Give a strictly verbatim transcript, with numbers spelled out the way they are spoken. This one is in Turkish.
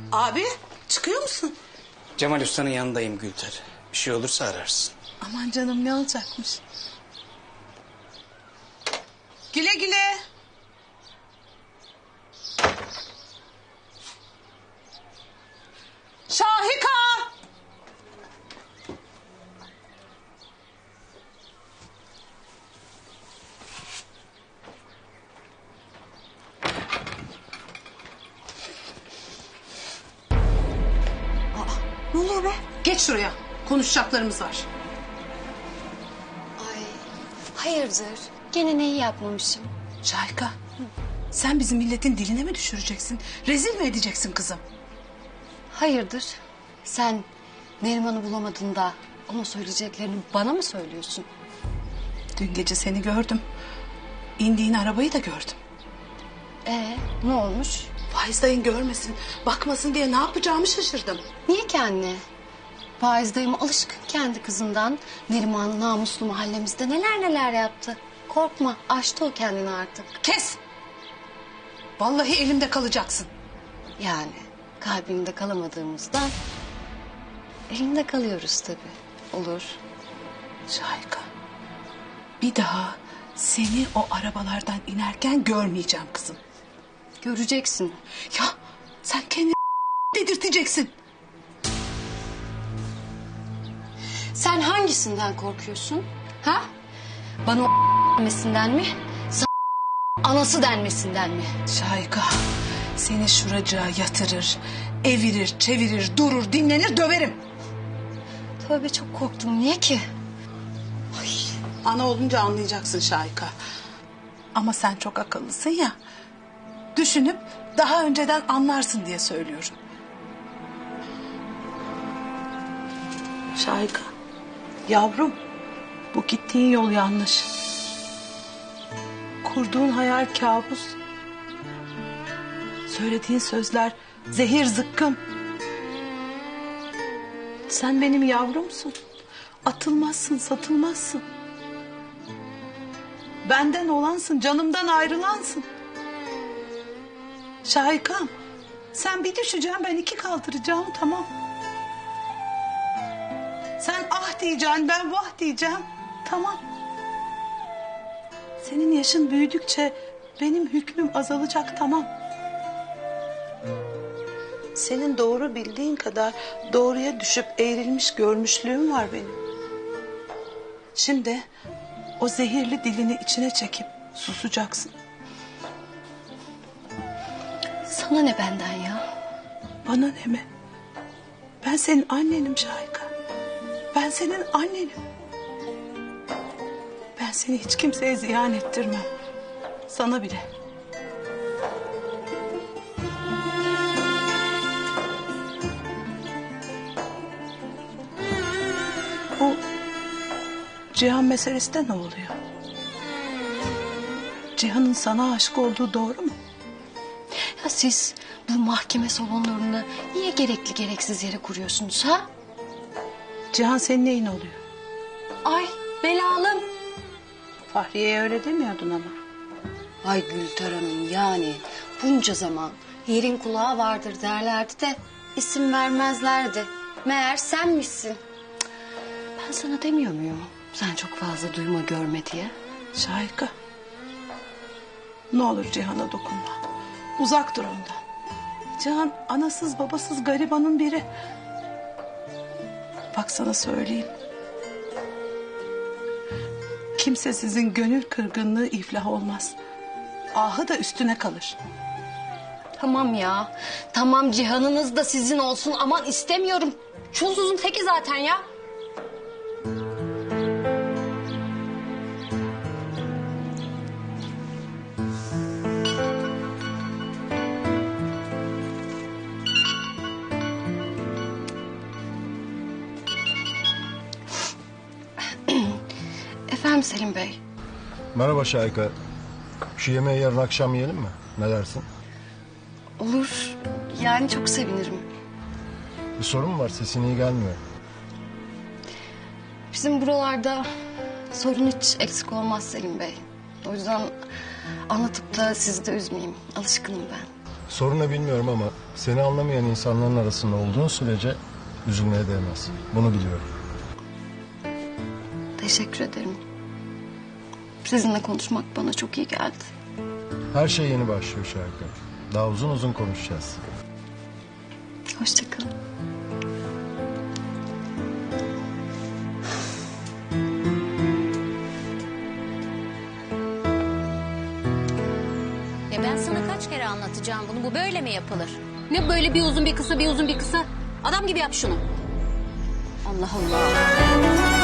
Abi çıkıyor musun? Cemal Usta'nın yanındayım Gülter. Bir şey olursa ararsın. Aman canım ne olacakmış? Güle güle. Şahika! Ne oluyor be? Geç şuraya. Konuşacaklarımız var. Ay hayırdır? Gene neyi yapmamışım? Şahika, sen bizim milletin diline mi düşüreceksin? Rezil mi edeceksin kızım? Hayırdır? Sen Neriman'ı bulamadın da ona söyleyeceklerini bana mı söylüyorsun? Dün gece seni gördüm. İndiğin arabayı da gördüm. Ee, ne olmuş? Faiz dayın görmesin, bakmasın diye ne yapacağımı şaşırdım. Niye ki anne? Faiz dayım alışkın kendi kızından. Neriman namuslu mahallemizde neler neler yaptı. Korkma, aştı o kendini artık. Kes! Vallahi elimde kalacaksın. Yani kalbinde kalamadığımızdan elinde kalıyoruz tabii. Olur. Şahika, bir daha seni o arabalardan inerken görmeyeceğim kızım. Göreceksin. Ya sen kendini dedirteceksin. Sen hangisinden korkuyorsun? Ha? Bana o denmesinden mi? Sana anası denmesinden mi? Şahika, seni şuracığa yatırır, evirir, çevirir, durur, dinlenir, döverim. Tövbe çok korktum. Niye ki? Ay. Ana olunca anlayacaksın Şahika. Ama sen çok akıllısın ya. Düşünüp daha önceden anlarsın diye söylüyorum. Şahika, yavrum, bu gittiğin yol yanlış. Kurduğun hayal kabus. Söylediğin sözler zehir zıkkım. Sen benim yavrumsun. Atılmazsın, satılmazsın. Benden olansın, canımdan ayrılansın. Şahikam, sen bir düşeceksin, ben iki kaldıracağım, tamam. Sen ah diyeceksin, ben vah diyeceğim, tamam. Senin yaşın büyüdükçe benim hükmüm azalacak, tamam. Senin doğru bildiğin kadar doğruya düşüp eğrilmiş görmüşlüğüm var benim. Şimdi o zehirli dilini içine çekip susacaksın. Sana ne benden ya? Bana ne mi? Ben senin annenim Şahika. Ben senin annenim. Ben seni hiç kimseye ziyan ettirmem. Sana bile. Bu Cihan meselesi de ne oluyor? Cihan'ın sana aşık olduğu doğru mu? Ya siz bu mahkeme salonlarını niye gerekli gereksiz yere kuruyorsunuz ha? Cihan senin neyin oluyor? Ay belalım. Fahriye'ye öyle demiyordun ama. Ay Gülter Hanım yani bunca zaman yerin kulağı vardır derlerdi de isim vermezlerdi. Meğer senmişsin. Cık, ben sana demiyor muyum? Sen çok fazla duyma görme diye. Şahika. Ne olur Cihan'a dokunma. Uzak dur ondan. Cihan anasız babasız garibanın biri. Bak sana söyleyeyim. Kimse sizin gönül kırgınlığı iflah olmaz. Ahı da üstüne kalır. Tamam ya. Tamam cihanınız da sizin olsun. Aman istemiyorum. Çulsuzun teki zaten ya. Efendim Selim Bey. Merhaba Şahika. Şu yemeği yarın akşam yiyelim mi? Ne dersin? Olur. Yani çok sevinirim. Bir sorun mu var? Sesin iyi gelmiyor. Bizim buralarda sorun hiç eksik olmaz Selim Bey. O yüzden anlatıp da sizi de üzmeyeyim. Alışkınım ben. Sorun ne bilmiyorum ama seni anlamayan insanların arasında olduğun sürece üzülmeye değmez. Bunu biliyorum. Teşekkür ederim. Sizinle konuşmak bana çok iyi geldi. Her şey yeni başlıyor Şahika. Daha uzun uzun konuşacağız. Hoşça kalın. Ya ben sana kaç kere anlatacağım bunu. Bu böyle mi yapılır? Ne böyle bir uzun bir kısa bir uzun bir kısa? Adam gibi yap şunu. Allah Allah.